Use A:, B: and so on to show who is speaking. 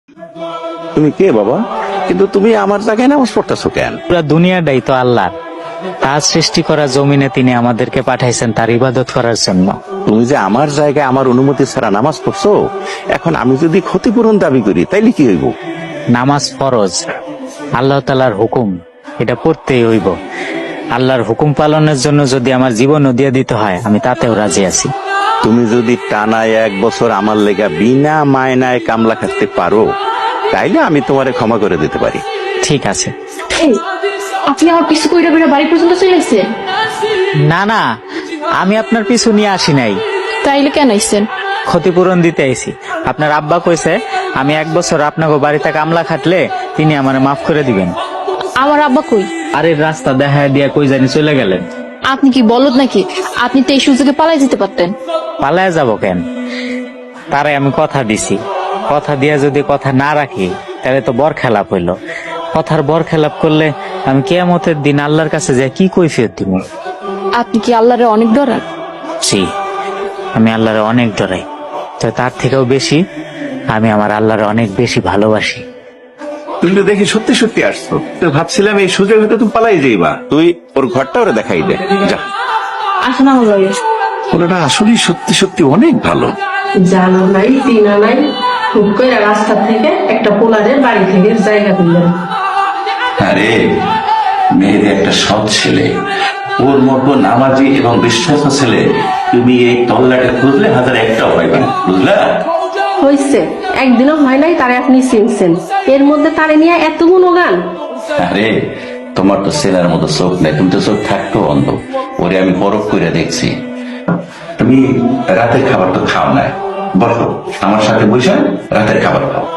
A: তুমি কে বাবা? কিন্তু তুমি আমার জায়গায় নামাজ পড়তেছো কেন?
B: পুরা দুনিয়াটাই তো আল্লাহ, তার সৃষ্টি করা জমিনে তিনি আমাদেরকে পাঠাইছেন তার ইবাদত করার জন্য।
A: তুমি যে আমার জায়গায় আমার অনুমতি ছাড়া নামাজ পড়ছো, এখন আমি যদি ক্ষতিপূরণ দাবি করি তাইলে কি হইব?
B: নামাজ ফরজ, আল্লাহ তাআলার হুকুম, এটা পড়তেই হইব। আল্লাহর হুকুম পালনের জন্য যদি আমার জীবনও দিয়ে দিতে হয়, আমি তাতেও রাজি আছি।
A: তুমি যদি টানা 1 বছর আমার লেগা বিনা মায়নায় কামলা খাটতে পারো, তাইলে আমি তোমারে ক্ষমা করে দিতে পারি।
B: ঠিক আছে।
C: এই, আপনি আমার পিছু কইরা কইরা বাড়ি পর্যন্ত চলে আসছেন?
B: না না, আমি আপনার পিছু নিয়ে আসি নাই,
C: তাইলে কেন আইছেন?
B: ক্ষতিপূরণ দিতে আইছি। আপনার আব্বা কইছে আমি 1 বছর আপনাকে বাড়িতে কামলা খাটলে তিনি আমারে মাফ করে দিবেন।
C: আমার আব্বা কই?
B: আরে রাস্তা দেখা দিয়া কই জানি চলে গেলেন।
C: আপনি কি বলদ নাকি? আপনি তো এই সুযোগে পালাই যেতে পারতেন।
B: পালায় যাব কেন? তারে আমি কথা দিছি, কথা দিয়া যদি কথা না রাখি তাহলে তো বরখেলাপ হইল। কথার বরখেলাপ করলে আমি কিয়ামতের দিন আল্লাহর কাছে যাই কি কৈফিয়ত দিব?
C: আপনি কি আল্লাহরে অনেক ডরান?
B: জি, আমি আল্লাহরে অনেক ডরাই, তো তার থেকেও বেশি আমি আমার আল্লাহরে অনেক বেশি ভালোবাসি।
D: তুমি তো দেখি সত্যি সত্যি আসছো, তো ভাবছিলাম এই সুযোগ হয়তো তুমি পালাই যাইবা।
A: তুই ওর ঘরটা ওরে দেখাই দে, যা।
C: আসেন আমার লগে।
D: ওটা আসলেই সত্যি সত্যি অনেক ভালো।
E: জানো নাই চিনা নাই, হুট করে রাস্তা থেকে একটা পোলারের বাড়ি থেকে জায়গা দিলেন।
D: আরে মেয়ের একটা সৎ ছেলে, ওর মতো নামাজি এবং বিশ্বাস ছেলে তুমি এই তল্লাটে খুঁজলে 1001টাও পাইবে না, বুঝলা?
E: হয়েছে, একদিনও হয় নাই তারে আপনি চিনছেন, এর মধ্যে তারে নিয়ে এত গুণগান।
D: আরে তোমার তো ছেলের মতো চোখ নেই, তুমি তো চোখ থাকতো অন্ধ। ওরে আমি পরখ করে দেখছি। তুমি রাতের খাবার তো খাও না, বসো আমার সাথে বসে রাতের খাবার খাও।